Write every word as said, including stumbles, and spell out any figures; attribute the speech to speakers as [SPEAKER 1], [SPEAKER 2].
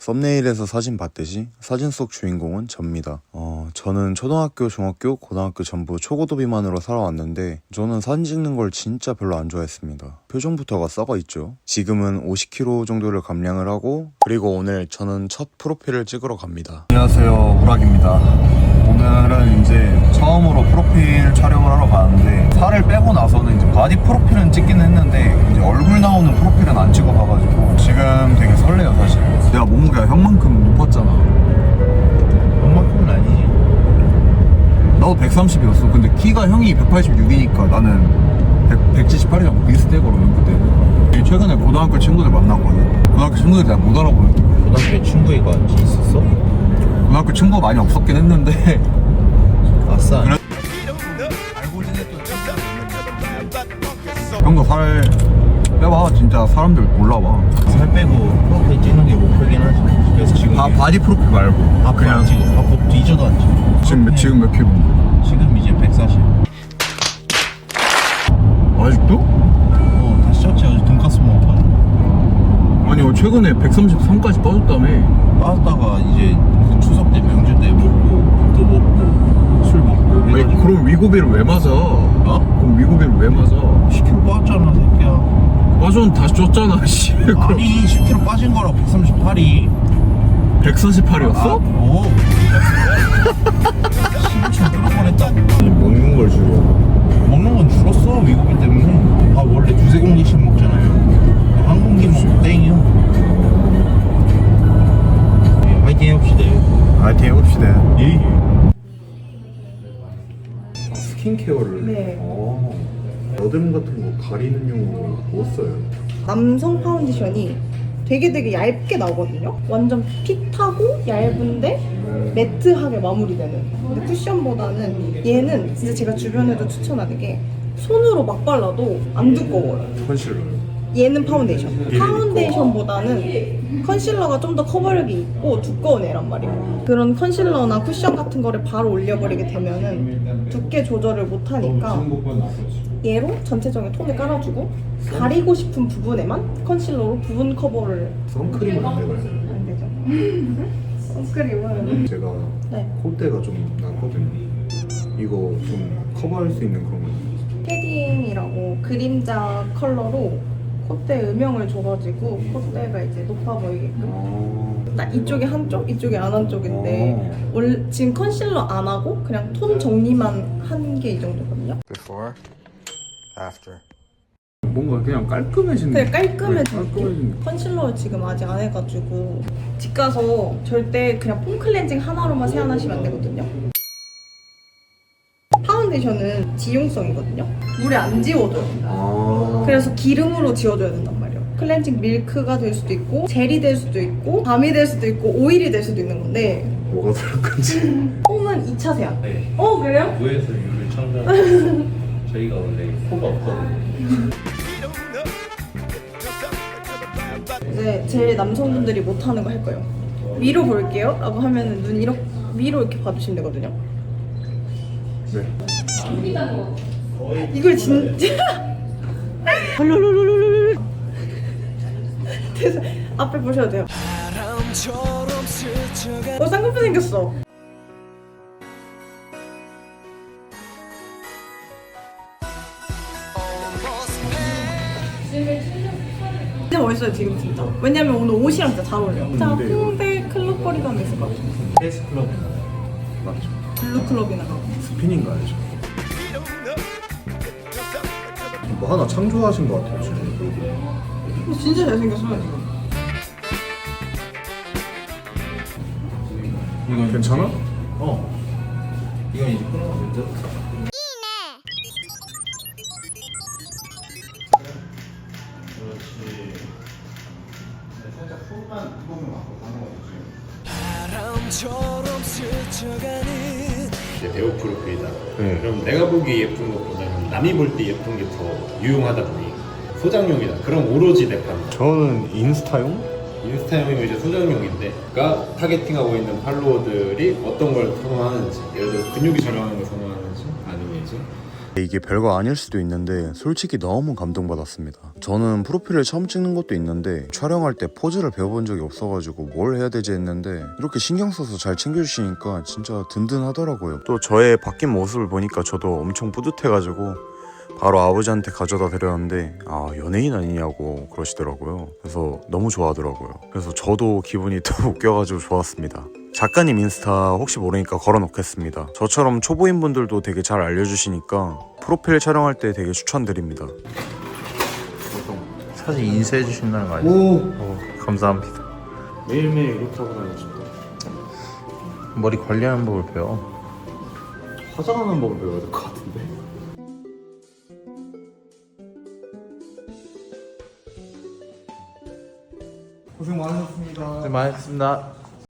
[SPEAKER 1] 썸네일에서 사진 봤듯이 사진 속 주인공은 접니다. 어, 저는 초등학교, 중학교, 고등학교 전부 초고도 비만으로 살아왔는데 저는 사진 찍는 걸 진짜 별로 안 좋아했습니다. 표정부터가 썩어 있죠. 지금은 오십 킬로그램 정도를 감량을 하고, 그리고 오늘 저는 첫 프로필을 찍으러 갑니다. 안녕하세요, 우락입니다. 오늘은 이제 처음으로 프로필 촬영을 하러 가는데, 살을 빼고 나서는 이제 바디 프로필은 찍기는 했는데 이제 얼굴 나오는 프로필은 안 찍어봐가지고 지금 되게 설레요. 사실 내가 몸무게가 형만큼 높았잖아.
[SPEAKER 2] 형만큼은 아니지.
[SPEAKER 1] 나도 백삼십이었어. 근데 키가 형이 백팔십육이니까 나는 백, 백칠십팔이랑 비슷해. 그러면 그때는 최근에 고등학교 친구들 만났거든. 고등학교 친구들이 잘 못 알아보는 거야.
[SPEAKER 2] 고등학교에 친구가 있었어?
[SPEAKER 1] 고등학교 친구가 많이 없었긴 했는데
[SPEAKER 2] 아싸.
[SPEAKER 1] 그래? 알고 지냈던 형도 살 빼봐. 진짜 사람들 몰라봐.
[SPEAKER 2] 살 빼고 프로필 찍는 게 목표긴 하지. 그래서 지금
[SPEAKER 1] 아, 바디 프로필 말고
[SPEAKER 2] 아 그냥 지금 앞으로 뒤져도 안 찍어.
[SPEAKER 1] 지금 몇, 지금 몇 킬로?
[SPEAKER 2] 지금 이제 백사십.
[SPEAKER 1] 아직도?
[SPEAKER 2] 어 다시 쪘지. 어제 돈까스 먹었거든.
[SPEAKER 1] 아니 최근에 백삼십삼까지 빠졌다며.
[SPEAKER 2] 빠졌다가 이제 그 추석 때 명절 때 먹고 또 먹고 술 먹고.
[SPEAKER 1] 아니
[SPEAKER 2] 이러니까
[SPEAKER 1] 그럼 위고비를 왜 맞아?
[SPEAKER 2] 어?
[SPEAKER 1] 그럼 위고비를 왜 맞아?
[SPEAKER 2] 십 킬로그램 빠졌잖아 새끼야.
[SPEAKER 1] 빠졌는 다시 쪘잖아. 씨.
[SPEAKER 2] 아니 십 킬로그램 빠진 거랑 백삼십팔이
[SPEAKER 1] 백사십팔이었어?
[SPEAKER 2] 오. 십칠 그럴 뻔했다고.
[SPEAKER 1] 먹는 걸 줄여.
[SPEAKER 2] 먹는 건 줄었어. 위고비 때문에. 아 원래 두세 공기씩 먹잖아요. 한 공기 먹고 땡이요. 예, 화이팅 해봅시다.
[SPEAKER 1] 화이팅 해봅시다.
[SPEAKER 2] 예.
[SPEAKER 1] 스킨케어를?
[SPEAKER 3] 네.
[SPEAKER 1] 어. 여드름 같은 거 가리는 용으로 뭐 써요?
[SPEAKER 3] 남성 파운데이션이 되게 되게 얇게 나오거든요. 완전 핏하고 얇은데 매트하게 마무리되는. 근데 쿠션보다는 얘는 진짜 제가 주변에도 추천하는 게 손으로 막 발라도 안 두꺼워요.
[SPEAKER 1] 컨실러요?
[SPEAKER 3] 얘는 파운데이션. 파운데이션보다는 컨실러가 좀 더 커버력이 있고 두꺼운 애란 말이에요. 그런 컨실러나 쿠션 같은 거를 바로 올려버리게 되면은 두께 조절을 못하니까 얘로 전체적인 톤을 깔아주고 가리고 싶은 부분에만 컨실러로 부분 커버를.
[SPEAKER 1] 선크림은 안 되나요?
[SPEAKER 3] 안 되죠. 선크림은
[SPEAKER 1] 제가
[SPEAKER 3] 네.
[SPEAKER 1] 콧대가 좀 났거든요. 이거 좀 커버할 수 있는 그런 거.
[SPEAKER 3] 패딩이라고 그림자 컬러로 콧대 음영을 줘가지고 콧대가 이제 높아 보이게끔.
[SPEAKER 1] 아.
[SPEAKER 3] 딱 이쪽이 한쪽, 이쪽이 안 한쪽인데
[SPEAKER 1] 어.
[SPEAKER 3] 원래 지금 컨실러 안 하고 그냥 톤 정리만 한 게 이 정도거든요.
[SPEAKER 4] Before, after.
[SPEAKER 1] 뭔가 그냥 깔끔해지는.
[SPEAKER 3] 그냥 깔끔해진
[SPEAKER 1] 네, 깔끔해지는.
[SPEAKER 3] 느낌? 컨실러를 지금 아직 안 해가지고 집 가서 절대 그냥 폼 클렌징 하나로만 세안하시면 안 되거든요. 파운데이션은 지용성이거든요. 물에 안 지워져요.
[SPEAKER 1] 아.
[SPEAKER 3] 그래서 기름으로 지워줘야 된단 말이에요. 클렌징 밀크가 될 수도 있고 젤이 될 수도 있고 밤이 될 수도 있고 오일이 될 수도 있는 건데
[SPEAKER 1] 뭐가 들을 건지.
[SPEAKER 3] 폼은 이 차 세안.
[SPEAKER 2] 네.
[SPEAKER 3] 어 그래요?
[SPEAKER 2] 구에서 유를 창단. 저희가 원래 코가 없거든요.
[SPEAKER 3] 이제 제일 남성분들이 못하는 거 할 거예요. 위로 볼게요 라고 하면은 눈 이렇게 위로 이렇게 봐주시면 되거든요.
[SPEAKER 1] 네.
[SPEAKER 3] 이걸 진짜 그래서 앞에 보셔도 돼요. 어 쌍꺼풀 생겼어. 진짜 멋있어요 지금 진짜. 왜냐면 오늘 옷이랑 진짜 잘 어울려요. 진짜 홍대 클럽 거리 가면 있을 것 같아요.
[SPEAKER 2] 헬스 클럽이나.
[SPEAKER 1] 맞죠.
[SPEAKER 3] 블루 클럽이나 가고.
[SPEAKER 1] 스피닝 가야죠. 뭐 하나 창조하신 것 같아요 지금.
[SPEAKER 3] 진짜 잘생겼어요 지금.
[SPEAKER 2] 이건
[SPEAKER 1] 괜찮아?
[SPEAKER 2] 어. 이건 이제 끊어면 돼. 그렇지. 살짝 손만 이거만 갖고 가는 거지.
[SPEAKER 5] 이제 배우 프로필이다.
[SPEAKER 1] 네.
[SPEAKER 5] 그럼 내가 보기 예쁜 것보다는 남이 볼 때 예쁜 게 더 유용하다 보니 소장용이다. 그럼 오로지 내 판다.
[SPEAKER 1] 저는 인스타용?
[SPEAKER 5] 인스타용이면 이제 소장용인데, 그러니까 타겟팅하고 있는 팔로워들이 어떤 걸 선호하는지, 예를 들어 근육이 저렴한 걸 선호하는지, 아니면 이제
[SPEAKER 1] 이게 별거 아닐 수도 있는데 솔직히 너무 감동받았습니다. 저는 프로필을 처음 찍는 것도 있는데 촬영할 때 포즈를 배워본 적이 없어가지고 뭘 해야 되지 했는데 이렇게 신경 써서 잘 챙겨주시니까 진짜 든든하더라고요. 또 저의 바뀐 모습을 보니까 저도 엄청 뿌듯해가지고 바로 아버지한테 가져다 드렸는데 아 연예인 아니냐고 그러시더라고요. 그래서 너무 좋아하더라고요. 그래서 저도 기분이 더 웃겨가지고 좋았습니다. 작가님 인스타 혹시 모르니까 걸어놓겠습니다. 저처럼 초보인 분들도 되게 잘 알려주시니까 프로필 촬영할 때 되게 추천드립니다.
[SPEAKER 2] 사진 인쇄해 주신다는 거 아니에요?
[SPEAKER 5] 오
[SPEAKER 2] 오, 감사합니다.
[SPEAKER 5] 매일매일 이렇게 하고 다니고 싶다.
[SPEAKER 2] 머리 관리하는 법을 배워.
[SPEAKER 5] 화장하는 법을 배워야 될 것 같은데.
[SPEAKER 2] 고생 많으셨습니다. 고생 많으셨습니다.